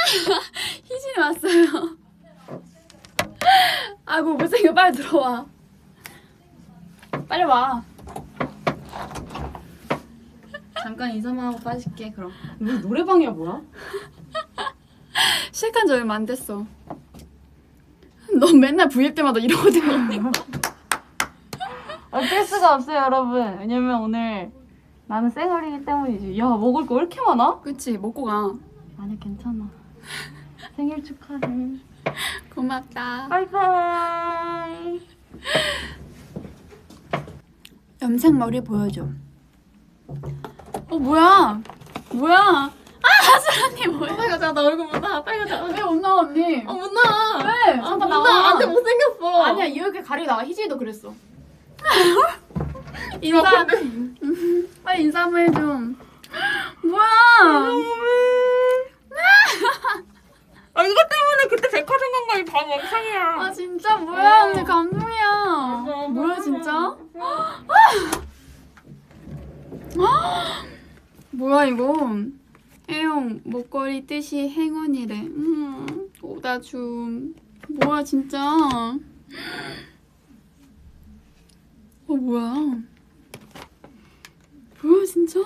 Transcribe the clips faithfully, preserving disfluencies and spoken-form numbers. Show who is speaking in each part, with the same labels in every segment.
Speaker 1: 희진이 왔어요. 아이고 못생겨. 빨리 들어와. 빨리 와.
Speaker 2: 잠깐 인사만 하고 빠질게. 그럼 우리 노래방이야 뭐야?
Speaker 1: 시작한 지 얼마 안 됐어. 너 맨날 브이앱 때마다 이러고 들어오니?
Speaker 2: 어쩔 수가 없어요 여러분. 왜냐면 오늘 나는 생얼이기 때문이지. 야 먹을 거 왜 이렇게 많아?
Speaker 1: 그치 먹고 가.
Speaker 2: 아니 괜찮아. 생일 축하해.
Speaker 1: 고맙다.
Speaker 2: 바이바이.
Speaker 1: 염색 머리 보여줘. 어 뭐야? 뭐야? 아 하슬 언니 뭐야?
Speaker 2: 빨리 가자. 나 얼굴 못 나. 빨리 가자.
Speaker 1: 왜 못 나와 언니?
Speaker 2: 어 못 나.
Speaker 1: 왜?
Speaker 2: 아,
Speaker 1: 잠깐
Speaker 2: 못
Speaker 1: 나와.
Speaker 2: 나. 안돼 못생겼어.
Speaker 1: 아니야 이렇게 가리고 나와. 희진이도 그랬어. 인사. 빨리 인사 한번 해줘. 뭐야?
Speaker 2: 아 이거 때문에 그때 백화점 간 거이 다 멍청이야.
Speaker 1: 아 진짜 뭐야 언니 감동이야.
Speaker 2: 맞아,
Speaker 1: 뭐야
Speaker 2: 맞아.
Speaker 1: 진짜? 뭐야 이거? 애용 목걸이 뜻이 행운이래. 음, 오다줌. 뭐야 진짜? 어 뭐야? 뭐야 진짜?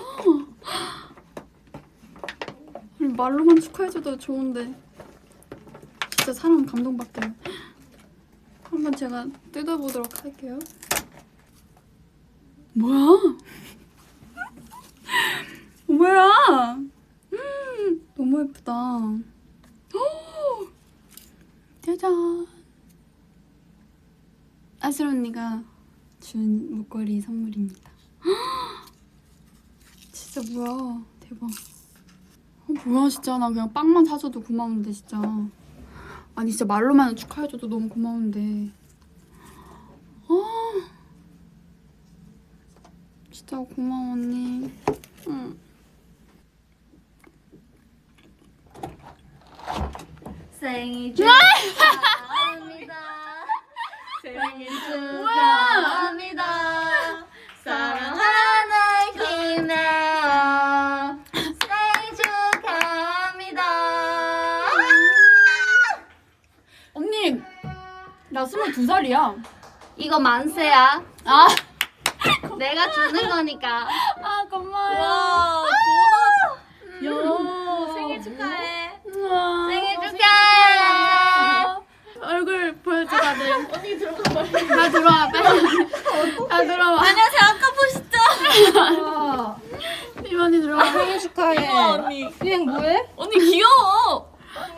Speaker 1: 아니, 말로만 축하해줘도 좋은데 진짜 사람 감동받게. 한번 제가 뜯어보도록 할게요. 뭐야? 뭐야? 음, 너무 예쁘다. 오! 짜잔. 아슬 언니가 준 목걸이 선물입니다. 진짜 뭐야? 대박. 어, 뭐야 진짜. 나 그냥 빵만 사줘도 고마운데 진짜. 아니 진짜 말로만 축하해줘도 너무 고마운데. 아 진짜 고마워 언니. 응.
Speaker 2: 생일 축하합니다. 생일 축하합니다. 사랑하는 김혜영 생일 축하합니다.
Speaker 1: 언니 나 스물두 살이야.
Speaker 2: 이거 만세야.
Speaker 1: 아,
Speaker 2: 내가 주는 거니까.
Speaker 1: 아 고마워요.
Speaker 2: 와,
Speaker 1: 음.
Speaker 2: 야, 생일 축하해.
Speaker 1: 우와.
Speaker 2: 생일 축하해.
Speaker 1: 얼굴 보여줘 다들.
Speaker 2: 언니 들어가 빨리.
Speaker 1: 다 들어와 빨리. 다 들어와.
Speaker 2: 안녕하세요. 아까 보시죠.
Speaker 1: 이만이 들어와.
Speaker 2: 생일 축하해.
Speaker 3: 우와, 언니.
Speaker 2: 그냥 뭐해?
Speaker 3: 언니 귀여워.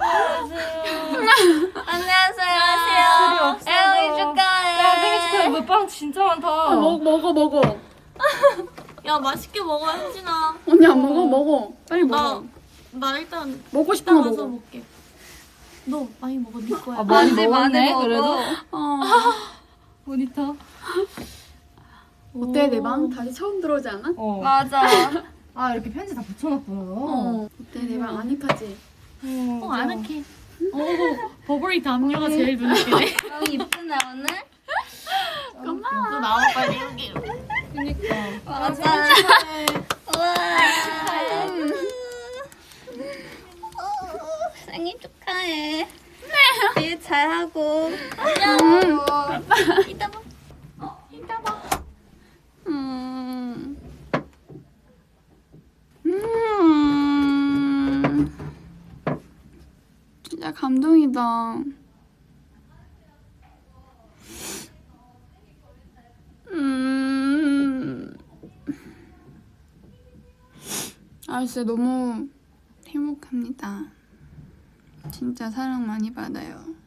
Speaker 2: 안녕하세요. 애영이 축하해.
Speaker 3: 야, 생일 축하해. 뭐빵 진짜 많다.
Speaker 1: 아, 먹, 먹어 먹어.
Speaker 3: 야, 맛있게 먹어, 현진아.
Speaker 1: 언니 안 먹어? 먹어. 빨리 먹어.
Speaker 3: 나, 나 일단
Speaker 1: 먹고 싶은
Speaker 3: 이따
Speaker 1: 거
Speaker 3: 가서
Speaker 1: 먹어.
Speaker 3: 먹게. 너 많이 먹어, 네 거야.
Speaker 2: 아, 많이
Speaker 3: 네,
Speaker 2: 먹었네,
Speaker 3: 먹어.
Speaker 2: 그래도.
Speaker 1: 어.
Speaker 2: 모니터.
Speaker 1: 어때 내 방? 다시 처음 들어오지 않아?
Speaker 2: 어.
Speaker 3: 맞아.
Speaker 2: 아, 이렇게 편지 다 붙여놨구나.
Speaker 1: 어. 어때 내 방 아늑하지?
Speaker 3: 어, 아늑해. 어, 버버리 담요가 제일 눈에 띄네.
Speaker 2: 너무 이쁘네, 오늘.
Speaker 1: 고마워.
Speaker 3: 너 나와, 빨리 여기.
Speaker 2: 그니까.
Speaker 3: 맞아.
Speaker 2: 우와.
Speaker 3: 생일 축하해. 일 잘하고.
Speaker 1: 음.
Speaker 3: 이따 봐. 어, 이따 봐.
Speaker 1: 음. 음. 진짜 감동이다. 음. 아 진짜 너무 행복합니다. 진짜 사랑 많이 받아요.